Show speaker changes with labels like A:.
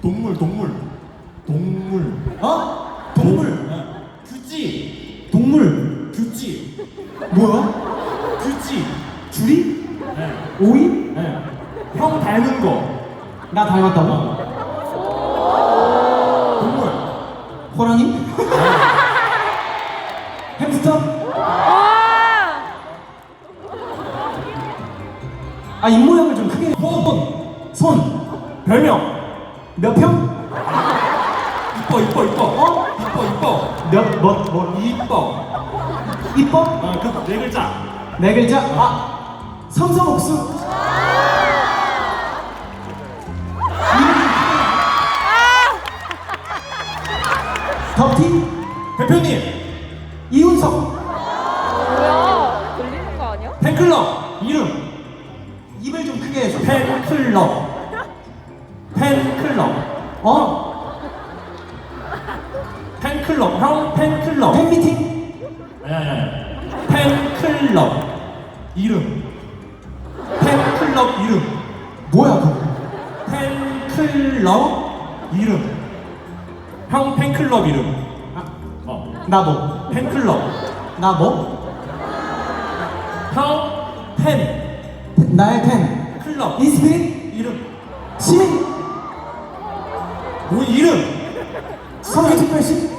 A: 동물.
B: 어? 동물.
A: 규지.
B: 동물.
A: 규지.
B: 뭐야?
A: 규지.
B: 줄이?
A: 네.
B: 오이?
A: 네. 형 닮은 거.
B: 나 닮았다고?
A: 동물.
B: 호랑이? 햄스터? 아, 입모양을 좀 크게. 손.
A: 별명.
B: 몇 평?
A: 이뻐.
B: 어?
A: 이뻐. 이뻐.
B: 이뻐?
A: 그 네 글자.
B: 네 글자? 아, 성성옥수. 덕티?
A: 대표님.
B: 이훈석.
C: 뭐야? 들리는 거 아니야?
A: 팬클럽. 이름.
B: 입을 좀 크게 해줘.
A: 팬클럽.
B: 어?
A: 팬클럽. 형 팬클럽.
B: 팬미팅?
A: 팬클럽. 이름. 팬클럽 이름.
B: 뭐야 그거?
A: 팬클럽 이름. 형 팬클럽 이름.
B: 나 뭐?
A: 팬클럽.
B: 나 뭐?
A: 형 팬.
B: 나의 팬.
A: 클럽.
B: 인스피릿?
A: 이름.
B: 시민?
A: 뭐 이름.
B: 서울특별시?